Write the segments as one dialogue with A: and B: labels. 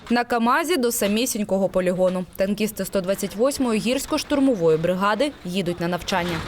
A: На КАМАЗі до самісінького полігону. Танкісти 128-ї гірсько-штурмової бригади їдуть на навчання.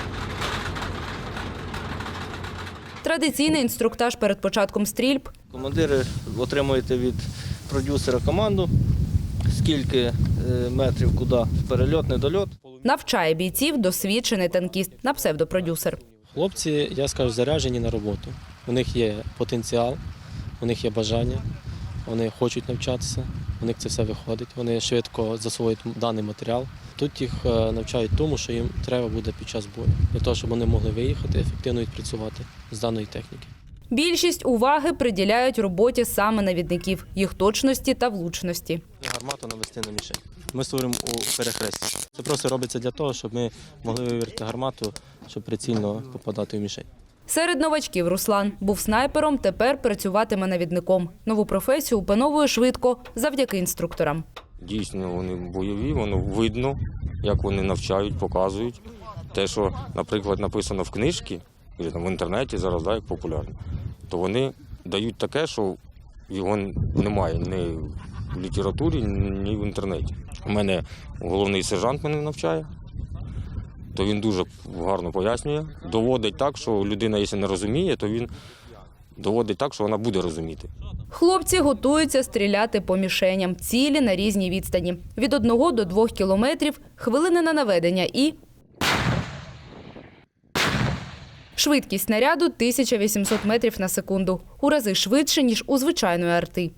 A: Традиційний інструктаж перед початком стрільб.
B: Командири отримуєте від продюсера команду, скільки метрів, куди перельот, недольот.
A: Навчає бійців досвідчений танкіст на псевдопродюсер.
C: Хлопці, я скажу, заряджені на роботу. У них є потенціал, у них є бажання, вони хочуть навчатися, у них це все виходить. Вони швидко засвоюють даний матеріал. Тут їх навчають тому, що їм треба буде під час бою, для того, щоб вони могли виїхати, ефективно відпрацювати з даної техніки.
A: Більшість уваги приділяють роботі саме навідників, їх точності та влучності.
C: Гармату навести на мішень. Ми створюємо у перехресті. Це просто робиться для того, щоб ми могли вивірити гармату, щоб прицільно попадати в мішень.
A: Серед новачків Руслан був снайпером, тепер працюватиме навідником. Нову професію опановує швидко завдяки інструкторам.
D: Дійсно, вони бойові, воно видно, як вони навчають, показують. Те, що, наприклад, написано в книжці, в інтернеті зараз, як популярно, то вони дають таке, що його немає ні в літературі, ні в інтернеті. У мене головний сержант мене навчає, то він дуже гарно пояснює. Доводить так, що людина, якщо не розуміє, то він доводить так, що вона буде розуміти.
A: Хлопці готуються стріляти по мішеням, цілі на різній відстані. Від 1 до 2 кілометрів, хвилини на наведення і… Швидкість снаряду – 1800 метрів на секунду. У рази швидше, ніж у звичайної арти.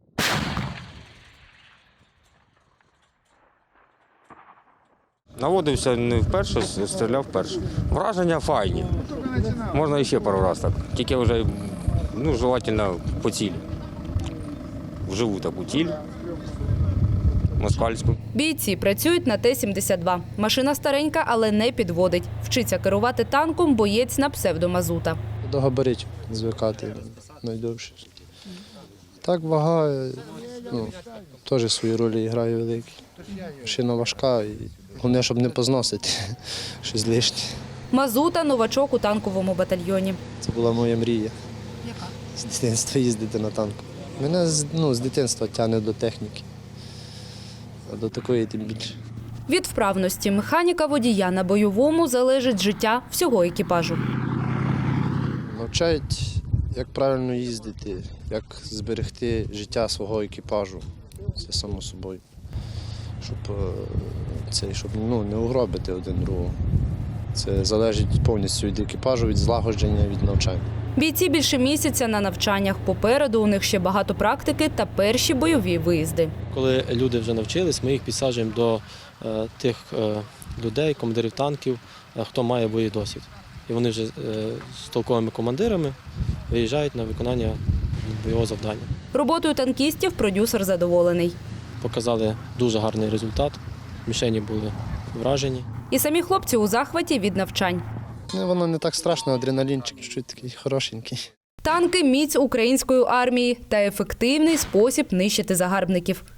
D: Наводився не вперше, стріляв вперше. Враження файні. Можна ще пару разів так. Тільки вже, желательно по цілі. Вживу таку ціль. Москальську.
A: Бійці працюють на Т-72. Машина старенька, але не підводить. Вчиться керувати танком боєць на псевдомазута.
E: До габаритів звикати найдовше. Так, вага теж свої ролі грає великі. Машина важка, і головне, щоб не позносити щось лишнє.
A: Мазута – новачок у танковому батальйоні.
E: Це була моя мрія.
A: Яка?
E: З дитинства їздити на танку. Мене з дитинства тягне до техніки, а до такої тим більше.
A: Від вправності механіка-водія на бойовому залежить життя всього екіпажу.
E: Навчають, як правильно їздити, як зберегти життя свого екіпажу. Це само собою. Щоб не угробити один другого. Це залежить повністю від екіпажу, від злагодження, від навчання.
A: Бійці більше місяця на навчаннях. Попереду у них ще багато практики та перші бойові виїзди.
C: Коли люди вже навчились, ми їх підсаджуємо до тих людей, командирів танків, хто має бойовий досвід. І вони вже з толковими командирами виїжджають на виконання бойового завдання.
A: Роботою танкістів продюсер задоволений.
C: Показали дуже гарний результат, мішені були вражені.
A: І самі хлопці у захваті від навчань.
E: Воно не так страшно, адреналінчик чуть такий хорошенький.
A: Танки – міць української армії та ефективний спосіб нищити загарбників.